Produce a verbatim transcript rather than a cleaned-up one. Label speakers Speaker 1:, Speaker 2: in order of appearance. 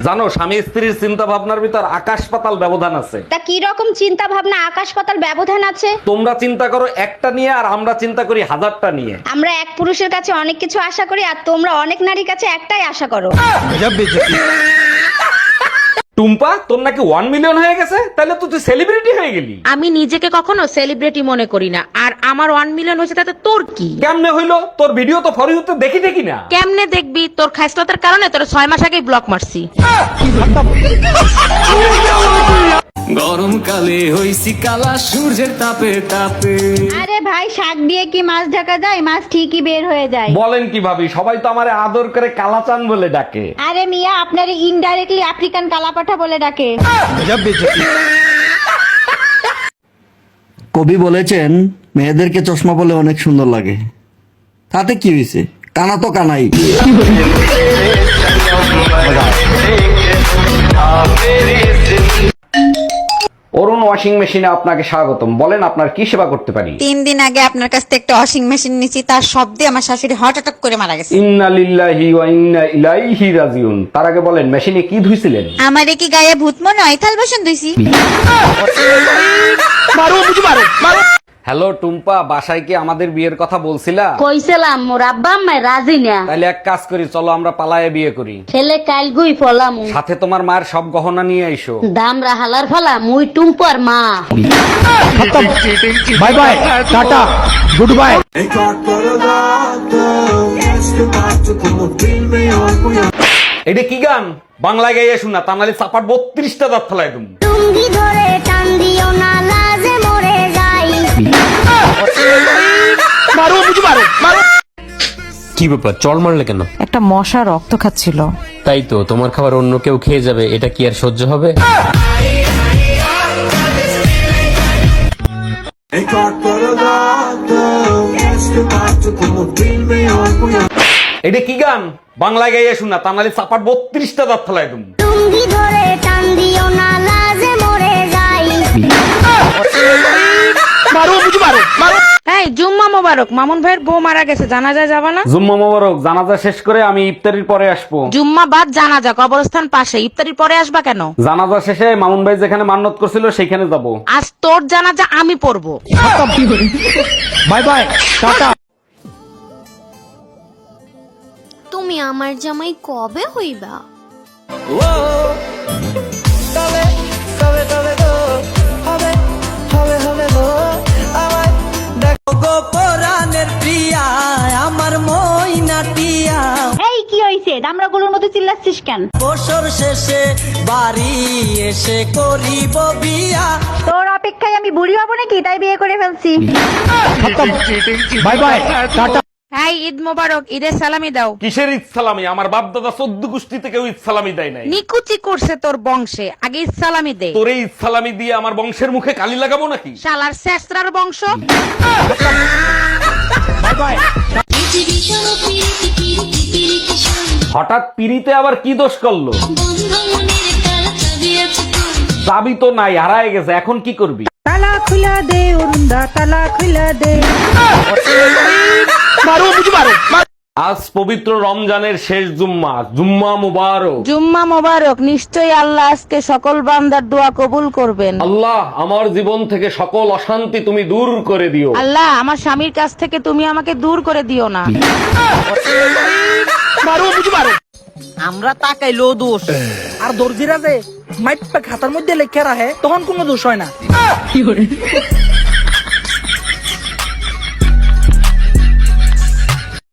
Speaker 1: জানো স্বামী স্ত্রীর চিন্তা ভাবনার ভিতর আকাশ পাতাল ব্যবধান আছে।
Speaker 2: তা কি রকম চিন্তা ভাবনা আকাশ পাতাল ব্যবধান আছে?
Speaker 1: তোমরা চিন্তা করো একটা নিয়ে, আর আমরা চিন্তা করি হাজারটা নিয়ে।
Speaker 2: আমরা এক পুরুষের কাছে অনেক কিছু আশা করি, আর তোমরা অনেক নারীর কাছে একটাই আশা করো।
Speaker 1: টুম্পা, তোর নাকি ওয়ান মিলিয়ন হয়ে গেছে, তাহলে তো তুই সেলিব্রিটি হয়ে গেলি।
Speaker 3: আমি নিজেকে কখনো সেলিব্রিটি মনে করি না, আর আমার ওয়ান মিলিয়ন হয়েছে তাতে তোর কি?
Speaker 1: কেমনে হইলো? তোর ভিডিও তো ফর ইউতে দেখি দেখি না।
Speaker 3: কেমনে দেখবি? তোর খাইসলতার কারণে তোর ছয় মাস আগেই ব্লক মারছি।
Speaker 4: গরমকালে হইছি কালা সূর্যের তাপে তাপে।
Speaker 2: আরে ভাই, শাক দিয়ে কি মাছ ঢাকা যায়? মাছ ঠিকই বের হয়ে যায়।
Speaker 1: বলেন কি ভাবি, সবাই তো আমারে আদর করে কালাচান বলে ডাকে।
Speaker 2: আরে মিয়া, আপনার ইনডাইরেক্টলি আফ্রিকান কালাপাঠা বলে ডাকে।
Speaker 5: কবি বলেছেন মেয়েদেরকে চশমা পরলে অনেক সুন্দর লাগে। তাতে কি হয়েছে? কানা তো কানাই।
Speaker 1: অরুণ ওয়াশিং মেশিনে আপনাকে স্বাগতম। বলেন আপনার কি সেবা করতে পারি?
Speaker 6: তিন দিন আগে আপনার কাছ থেকে একটা ওয়াশিং মেশিন নিয়েছি, তার শব্দে আমার শাশুড়ি হার্ট অ্যাটাক করে মারা গেছে।
Speaker 1: ইন্না লিল্লাহি ওয়া ইন্না ইলাইহি রাজিউন। তার আগে বলেন মেশিনে কি ধুইছিলেন?
Speaker 6: আমারে কি গায়ে ভূত মনে হয়? থাল বাসন ধুইছি।
Speaker 1: হ্যালো টুম্পা, বাসায় কি আমাদের বিয়ের কথা বলছিলা?
Speaker 7: কইছিলাম মোর আব্বা আম্মা রাজি না।
Speaker 1: তাহলে এক কাজ করি, চলো আমরা পালায়ে বিয়ে করি।
Speaker 7: ছেলে কাল গুই ফলাম,
Speaker 1: সাথে তোমার মায়ের সব গহনা নিয়ে আইসো।
Speaker 7: দামরা হালার ফলা মুই টুম্পর মা।
Speaker 5: Bye bye, tata, goodbye.
Speaker 1: এটা কি গান? বাংলায় গাইয়া শোনা, তা নাহলে চাপার বত্রিশটা দাঁত ফেলাই তুমি।
Speaker 2: টুঙ্গি ধরে টান দিও না, লাজে মরে যাই।
Speaker 8: কি ব্যাপার, চড় মারলে কেন?
Speaker 3: একটা মশা রক্ত খাচ্ছিল।
Speaker 8: তাই তো, তোমার খাবার অন্য কেউ খেয়ে যাবে, এটা কি আর সহ্য হবে?
Speaker 1: এটা কি গান? বাংলায় গাইয়া শোনা, তা নাহলে চাপার বত্রিশটা দাঁত ফেলাই তুমি।
Speaker 2: টুঙ্গি ধরে টান দিও না, লাজে মরে যাই।
Speaker 3: এই জুম্মা মোবারক, মামুন ভাইয়ের বউ মারা গেছে, জানাজা যাবা না?
Speaker 1: জুম্মা মোবারক, জানাজা শেষ করে আমি ইফতারির পরে আসবো।
Speaker 3: জুম্মা বাদ জানাজা, কবরস্থান পাশে, ইফতারির পরে আসবা কেন?
Speaker 1: জানাজা শেষে মামুন ভাই যেখানে মান্নত করছিল সেখানে যাব।
Speaker 3: আজ তোর জানাজা আমি পড়বো।
Speaker 5: Bye bye, tata.
Speaker 2: তুমি আমার জামাই কবে হইবা? এই কি হইছে? দামড়াগুলোর মতো চিল্লাচ্ছিস কেন?
Speaker 4: বছর শেষে বাড়ি এসে করিব বিয়া।
Speaker 2: তোর অপেক্ষায় আমি বুড়ি হবো নাকি, তাই বিয়ে করে ফেলছি।
Speaker 5: Bye bye, tata.
Speaker 3: হ্যাঁ, ঈদ মোবারক, ঈদের সালামি দাও।
Speaker 1: কিসের ঈদ সালামি? আমার বাপ দাদা চোদ্দ গোষ্ঠীতে কেউ ঈদ সালামি দেয় নাই।
Speaker 3: নিকুচি করছে তোর বংশে, আগে ঈদ সালামি দে।
Speaker 1: তোরে ঈদ সালামি দিয়ে আমার বংশের মুখে কালি লাগাবো নাকি?
Speaker 3: শালার শেষরার বংশ।
Speaker 5: Bye bye.
Speaker 1: হঠাৎ পিড়িতে আবার কি দোষ করলো? চাবি তো নাই, হারায় গেছে, এখন কি করবি?
Speaker 3: তালা খুলা দে অরুণদা, তালা খুলা দে।
Speaker 1: আজ পবিত্র রমজানের শেষ জুম্মা, জুম্মা মুবারক।
Speaker 3: জুম্মা মোবারক, নিশ্চয়ই আল্লাহ আজকে সকল বান্দার দোয়া কবুল করবেন।
Speaker 1: আল্লাহ, আমার জীবন থেকে সকল অশান্তি তুমি দূর করে দিও।
Speaker 3: আল্লাহ, আমার স্বামীর কাছ থেকে তুমি আমাকে দূর করে দিও না।
Speaker 9: আমরা তাকাইলো দোষ, আর দর্জিরা যে মাইপা খাতার মধ্যে লেখা রাখে তখন কোনো দোষ হয় না।